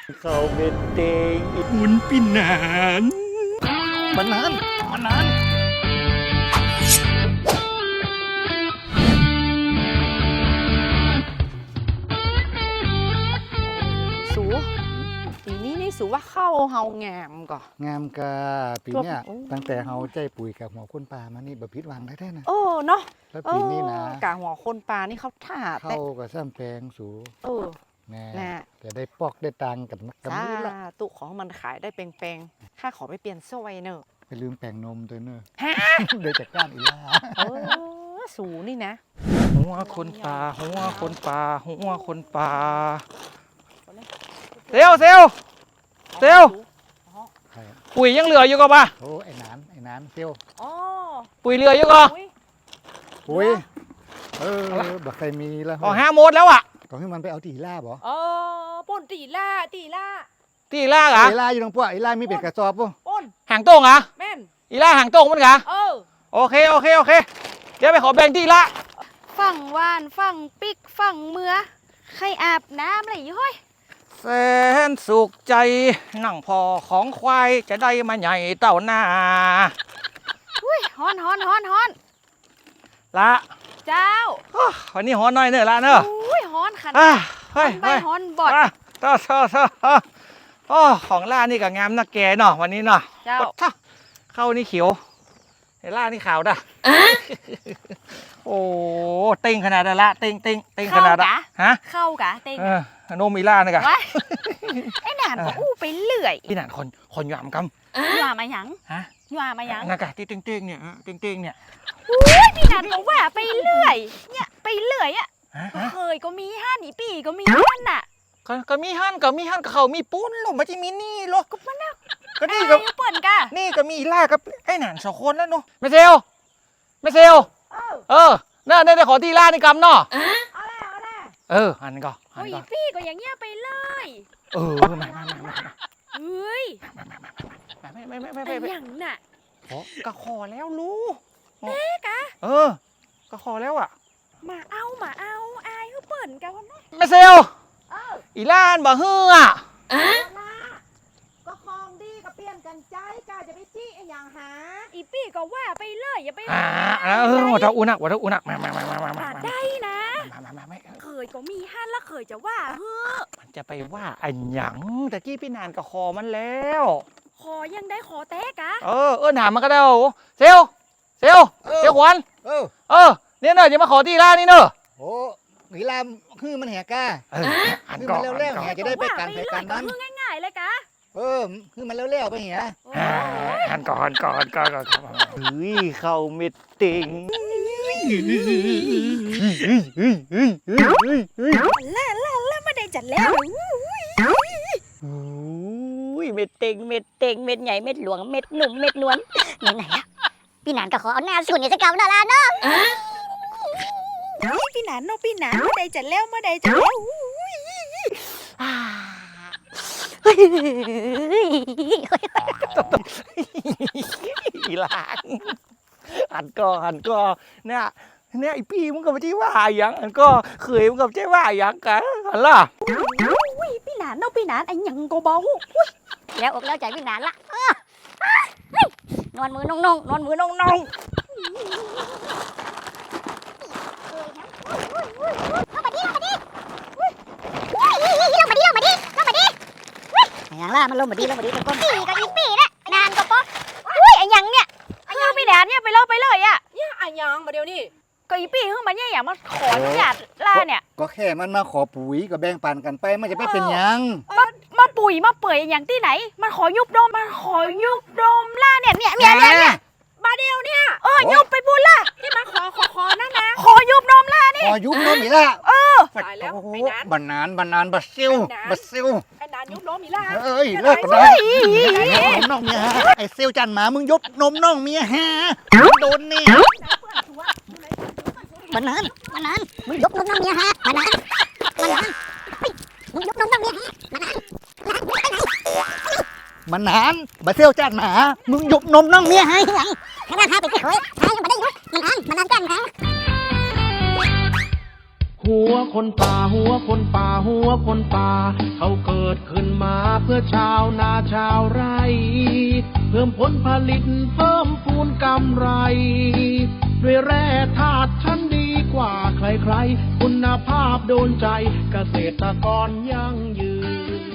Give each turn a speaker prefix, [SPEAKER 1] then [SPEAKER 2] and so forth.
[SPEAKER 1] เขาเป็นเตง
[SPEAKER 2] หุ่นปีนาน
[SPEAKER 1] มันนาน
[SPEAKER 3] สูปีนี้นี่สูว่าเข้าเฮางามก่อน
[SPEAKER 1] งามกะปีเนี้ย
[SPEAKER 3] โอ้
[SPEAKER 1] ตั้งแต่เฮาใจปุ๋ยกับหัวคนป่ามานี่แบบพิษหวังได้นะ
[SPEAKER 3] โอ้เนาะ
[SPEAKER 1] แล้วปีนี้นะ
[SPEAKER 3] กะหัวคนปลานี่เขาท่าแต่
[SPEAKER 1] เข้ากับซ้ำแปลงสู
[SPEAKER 3] เออ
[SPEAKER 1] แน่
[SPEAKER 3] น่ะ
[SPEAKER 1] จะได้ปอกได้ตังค์กันกัน
[SPEAKER 3] จ้า
[SPEAKER 1] มื้อละ
[SPEAKER 3] ตุของมันขายได้เปงๆข้าขอไปเปลี่ยนโซ่ไว้เนอะ
[SPEAKER 1] ไปลืมแปลงนมตัวเนอะ
[SPEAKER 3] ฮะ
[SPEAKER 1] เดี๋ยวจัดการอีล่า
[SPEAKER 3] เออสูนี่นะ
[SPEAKER 2] หัวคนป่าหัวคนป่าหัวคนป่าเซลเซล
[SPEAKER 1] ใครอะ
[SPEAKER 2] ปุ๋ยยังเหลืออยู่ก็ป่ะ
[SPEAKER 1] โอ้ไอ้นานเซียว
[SPEAKER 3] อ๋อ
[SPEAKER 2] ปุ๋ยเหลืออยู่ก็
[SPEAKER 3] อุ๊ย
[SPEAKER 1] ปุ๋ยบักใครมีแล้ว
[SPEAKER 2] อ๋อห้าโมดแล้วอ่ะ
[SPEAKER 1] ก็ให้มันไปเอาตีล่าบ่
[SPEAKER 3] ป่นตีล่า
[SPEAKER 2] ที่ล่ากอ่ะ
[SPEAKER 1] ตีล่าอยู่ตรงพวกไอ้ล่ามีเป็ดกระสอบป่ะ
[SPEAKER 3] ป่น
[SPEAKER 2] หางโต้งอ่ะ
[SPEAKER 3] แม่น
[SPEAKER 2] อีล่าหางโต้งมันกะ โอเคเดี๋ยวไปขอแบ่งที่ละ
[SPEAKER 4] ฝั่งวานฝั่งปิกฝั่งเมือใครอาบน้ำอะไรอยู่เฮ้ย
[SPEAKER 2] แสนสุขใจนั่งพอของควายจะได้มาใหญ่เต่าหน้า
[SPEAKER 4] อุ้ยฮ้อน
[SPEAKER 2] ละ
[SPEAKER 4] เจ้า
[SPEAKER 2] วันนี้หอนหน่อยเนอะละเนอะ
[SPEAKER 4] อุ้ยฮ้อนขัน
[SPEAKER 2] เฮ้ย
[SPEAKER 4] ใบฮ้อนบอด
[SPEAKER 2] เท่าโอ้ของล่านี่ก็งามนะแกเนาะวันนี้เนาะ
[SPEAKER 4] เจ้า
[SPEAKER 2] เข้านี่เขียวไอ้ล่านี่ขาวด่ะโอ้เต็งขนาดนั้นละเต็งขนาดละฮะ
[SPEAKER 4] เข้ากะเต็ง
[SPEAKER 2] โนมีล่านี่กะ
[SPEAKER 4] วะไอ้หนานก็อู้ไปเรื่อย
[SPEAKER 2] พี่หนานคนหยามก
[SPEAKER 4] หว่ามาหยัง
[SPEAKER 2] ำฮะ
[SPEAKER 4] หว่ามาหยัง
[SPEAKER 2] นากะที่เต็งเนี่ยเนี่ย
[SPEAKER 4] อุ้ยพี่หนานก็ว่าไปเรื่อยเนี่ยไปเรื่อยอ่ะ
[SPEAKER 2] ฮะ
[SPEAKER 4] เคยก็มีห้านีปีก็มีห้านน่ะ
[SPEAKER 2] ก็มีหั่นกับเขามีปุ้นหรอมันจะมีนี่หรอ
[SPEAKER 4] ก็มันน่ะ
[SPEAKER 2] ก็นี่
[SPEAKER 4] ไอ้
[SPEAKER 2] ก็
[SPEAKER 4] เปิ่นกะ
[SPEAKER 2] นี่ก็มีล่ากับไอ้หนานสองคนแล้วเนาะไม่เซลน่าได้ขอที่ล่านี่กำเนาะหันก่อน
[SPEAKER 4] โอ้ยพี่ก็อย่างเงี้ยไปเลย
[SPEAKER 2] มา
[SPEAKER 4] เฮ้ย
[SPEAKER 2] ไม่
[SPEAKER 4] ไอ้หยังน่ะ
[SPEAKER 2] ก็ขอแล้วรู้
[SPEAKER 4] กะ
[SPEAKER 2] ก็ขอแล้วอ่ะ
[SPEAKER 4] มาเอาอายเขาเปิ่นกันวะนะ
[SPEAKER 2] ไม่เซลอีล่านบ่ฮืออ่ะ
[SPEAKER 3] ก็คลองดีก็เปลี่ยนกันใจกาจะไปจี้ไอ้อย่างหา
[SPEAKER 4] อีปี้ก็ว่าไปเลยอย่าไป
[SPEAKER 2] วัดเท่าอุนักมา
[SPEAKER 4] ได้นะ
[SPEAKER 2] ไม่
[SPEAKER 4] เคยก็มีห้านแล้วเคยจะว่าเฮ้อ
[SPEAKER 2] มันจะไปว่าอันหยังตะกี้พี่นานก็คอมันแล้ว
[SPEAKER 4] ขอยังได้ขอแตกะ
[SPEAKER 2] ถามมันก็ได้เซลขวัญเนี่ยเนอะจะมาขอที่ร้านนี่เนอะ
[SPEAKER 1] โอ้อีล่าคือมันแหกก้า
[SPEAKER 2] หัน
[SPEAKER 1] คือ
[SPEAKER 2] ก่อ
[SPEAKER 1] มัน
[SPEAKER 2] น
[SPEAKER 1] เร็วๆแหจะได้ไปกันไปกันนั้น
[SPEAKER 4] คือง่ายๆเลยกะ
[SPEAKER 1] คือมันเร็วๆไปเหีย
[SPEAKER 2] หันก่อน
[SPEAKER 1] เฮ้ยเข้าเม็ดเต็ง
[SPEAKER 4] แล้วไม่ได้จัดแล้ว
[SPEAKER 5] เม็ดเต็งเม็ดใหญ่เม็ดหลวงเม็ดหนุ่มเม็ดนวลไหนๆล่ะพี่หนานก็ขอเอาหน้าสุ่นเนี่ยจะเก่าหน้าลาเนาะ
[SPEAKER 4] พี่หนานเนาะพี่หนานไม่ได้จัดแล้วไม่ได้จัดแล้ว
[SPEAKER 2] อีหลานหันก่อนเนี่ยไอพี่มึงก็ไม่ใช่ว่าอย่างอันก็เคยมึงก็ไม่ใช่ว่าอย่างกันหันล่ะ
[SPEAKER 4] พี่หนานเนาะพี่หนานไอ้ยังก็เบา
[SPEAKER 5] แล้วอกแล้วใจพี่หนานละนอนมือนงนอนมือนงอย่างล่ะมันลงมาดีต้นปีก็อีปีนะนานก็ป๊ออุ้ยไอ้ยังเนี่ย
[SPEAKER 4] คือพี่หนานเนี่ยไปเลยอ่ะ
[SPEAKER 3] เนี่ยไอ้ยังมาเดี๋ยวนี้
[SPEAKER 4] ก็อีปี้คือมันเนี่ยอย่างมาขออนุญาตล่าเนี่ย
[SPEAKER 1] ก็แค่มันมาขอปุ๋ยก็แบ่งปันกันไปมันจะไม่เป็นหยัง
[SPEAKER 4] มาปุ๋ยมาเปื่อยอย่างที่ไหนมันขอยุบดมล่าเนี่ยมาเดียวเนี่ยยุบไปบุญล่ะ
[SPEAKER 3] ที่มาขอนั่นนะ
[SPEAKER 4] ขอยุบนมล่านี่
[SPEAKER 1] ขอยุบน้องอีล่า
[SPEAKER 3] ตายแล้ว
[SPEAKER 1] โอ้โห
[SPEAKER 3] ไอ้นั้น
[SPEAKER 1] บานานบัดซิว
[SPEAKER 3] ไอ้นานยุบล้มอีล่า
[SPEAKER 1] เอ้ยเลิกกันนะนมน้องเมียฮะไอ้เซลจันหมามึงยบนมน้องเมียฮะโดนเนี่ย
[SPEAKER 5] มันนานมึงยกนมน้ำเมียฮะมันนานมึงยกนมน้ำเมียฮะ
[SPEAKER 1] มันนานบัดเซลจันหมามึงยบนมน้องเมียฮะ
[SPEAKER 5] ขนาดหาไปที่เคยหายังไม่ได้ยุบมันนานกันฮะ
[SPEAKER 6] หัวคนป่าหัวคนป่าหัวคนป่าเขาเกิดขึ้นมาเพื่อชาวนาชาวไร่เพิ่มผลผลิตเพิ่มพูนกำไรด้วยแร่ธาตุชั้นดีกว่าใครๆคุณภาพโดนใจเกษตรกรยั่งยืน